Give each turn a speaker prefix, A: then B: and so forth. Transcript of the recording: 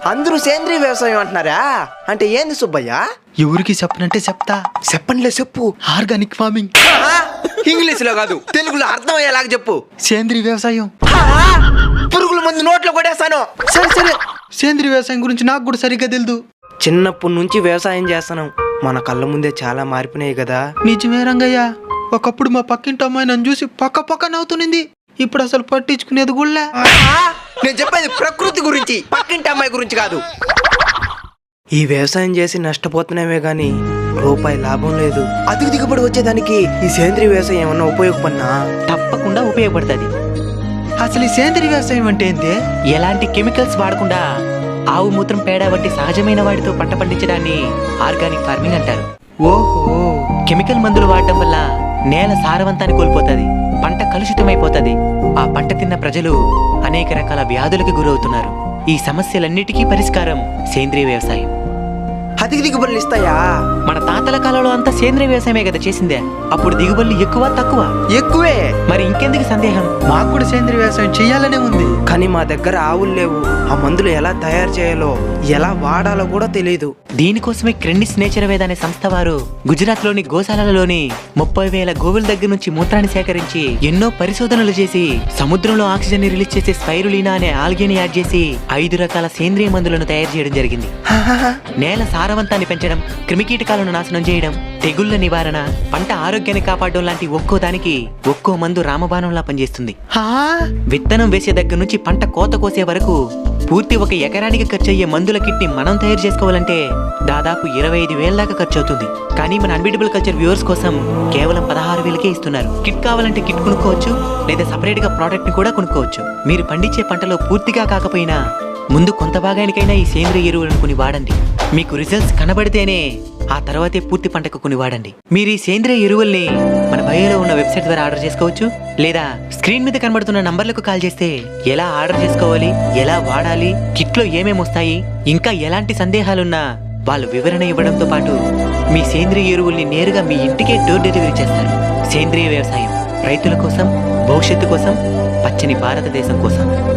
A: అందరూ సేంద్రీయ వ్యవసాయం అంటున్నారా? అంటే ఏంది సుబ్బయ్య?
B: ఎవరికి చెప్పనంటే చెప్తా.
A: చెప్పండిలే, చెప్పు.
B: Organic farming.
A: ఇంగ్లీష్ లో కాదు, తెలుగులో అర్థమయ్యేలాగా చెప్పు.
B: సేంద్రీయ వ్యవసాయం.
A: పురుగుల మందు నోట్లో కొడేస్తాను.
B: సరే సరే, సేంద్రీయ వ్యవసాయం గురించి నాకు కూడా సరిగ్గా తెలియదు.
A: చిన్నప్పటి నుంచి వ్యవసాయం చేస్తున్నాం, మన కళ్ళ ముందే చాలా మారిపోయినాయి కదా.
B: నిజమే రంగయ్య, ఒకప్పుడు మా పక్కింటి అమ్మాయి నన్ను చూసి పక్క నవ్వుతునింది. ఇప్పుడు అసలు పట్టించుకునేది కూడా.
A: నేను చెప్పేది ప్రకృతి గురించి, పక్కింటి అమ్మాయి గురించి కాదు. ఈ వ్యవసాయం చేసి నష్టపోతున్నామే గాని రూపాయి లాభం లేదు. అధిక దిగుబడి వచ్చేదానికి ఈ సేంద్రీయ వ్యవసాయం ఏమన్నా ఉపయోగపడినా?
C: తప్పకుండా ఉపయోగపడుతుంది.
B: అసలు ఈ సేంద్రీయ వ్యవసాయం అంటే ఏంటి?
C: ఎలాంటి కెమికల్స్ వాడకుండా ఆవు మూత్రం పేడ వంటి సహజమైన వాటితో పంట పండించడాన్ని ఆర్గానిక్ ఫార్మింగ్ అంటారు.
B: ఓహో.
C: కెమికల్ మందులు వాడటం వల్ల నేల సారవంతాన్ని కోల్పోతుంది, పంట కలుషితమైపోతుంది. ఆ పంట తిన్న ప్రజలు అనేక రకాల వ్యాధులకు గురవుతున్నారు. ఈ సమస్యలన్నిటికీ పరిష్కారం సేంద్రీయ వ్యవసాయం.
A: అధిక దిగుబడులు ఇస్తాయా?
C: మన తాతల కాలంలో అంతా సేంద్రీయ వ్యవసాయమే కదా చేసిందే. అప్పుడు దిగుబడులు ఎక్కువ తక్కువ?
A: ఎక్కువే.
C: మరి ఇంకెందుకు సందేహం?
B: మాకు కూడా సేంద్రీయ వ్యవసాయం చేయాలనే ఉంది.
A: కానీ మా దగ్గర ఆవులు లేవు. ఆ మందులు ఎలా తయారు చేయాలో, ఎలా వాడాలో కూడా తెలియదు.
C: దీనికోసమే క్రెండిస్ నేచర్ వేద అనే సంస్థ వారు గుజరాత్ లోని గోశాలలోని 30,000 గోవుల దగ్గర నుంచి మూత్రాన్ని సేకరించి ఎన్నో పరిశోధనలు చేసి సముద్రంలో ఆక్సిజన్ ని రిలీజ్ చేసే స్పైరులీనా అనే ఆల్గేని యాడ్ చేసి 5 రకాల సేంద్రియ మందులను తయారు చేయడం జరిగింది. నేల సారవంతాన్ని పెంచడం, క్రిమికీటకాలను నాశనం చేయడం, తెగుళ్ల నివారణ, పంట ఆరోగ్యాన్ని కాపాడడం లాంటి ఒక్కో దానికి ఒక్కో మందు రామబాణంలా పనిచేస్తుంది. విత్తనం వేసే దగ్గర నుంచి పంట కోత కోసే వరకు పూర్తి 1 ఎకరానికి ఖర్చు అయ్యే మందుల కిట్ ని మనం తయారు చేసుకోవాలంటే దాదాపు 25,000 దాకా ఖర్చు అవుతుంది. కానీ మన అన్బీటబుల్ కల్చర్ వ్యూవర్స్ కోసం కేవలం 16,000కే ఇస్తున్నారు. కిట్ కావాలంటే కిట్ కొనుక్కోవచ్చు, లేదా సపరేట్ గా ప్రోడక్ట్ ని కూడా కొనుక్కోవచ్చు. మీరు పండించే పంటలో పూర్తిగా కాకపోయినా ముందు కొంత భాగానికైనా ఈ సేంద్రియ ఎరువులను కొని వాడండి. మీకు రిజల్ట్స్ కనబడితేనే ఆ తర్వాతే పూర్తి పంటకు కొని వాడండి. మీరు ఈ సేంద్రియ ఎరువుల్ని మన బయోలో ఉన్న వెబ్సైట్ ద్వారా ఆర్డర్ చేసుకోవచ్చు, లేదా స్క్రీన్ మీద కనబడుతున్న నంబర్లకు కాల్ చేస్తే ఎలా ఆర్డర్ చేసుకోవాలి, ఎలా వాడాలి, కిట్లో ఏమేమి వస్తాయి, ఇంకా ఎలాంటి సందేహాలున్నా వాళ్ళు వివరణ ఇవ్వడంతో పాటు మీ సేంద్రియ ఎరువుల్ని నేరుగా మీ ఇంటికే డోర్ డెలివరీ చేస్తారు. సేంద్రియ వ్యవసాయం రైతుల కోసం, భవిష్యత్తు కోసం, పచ్చని భారతదేశం కోసం.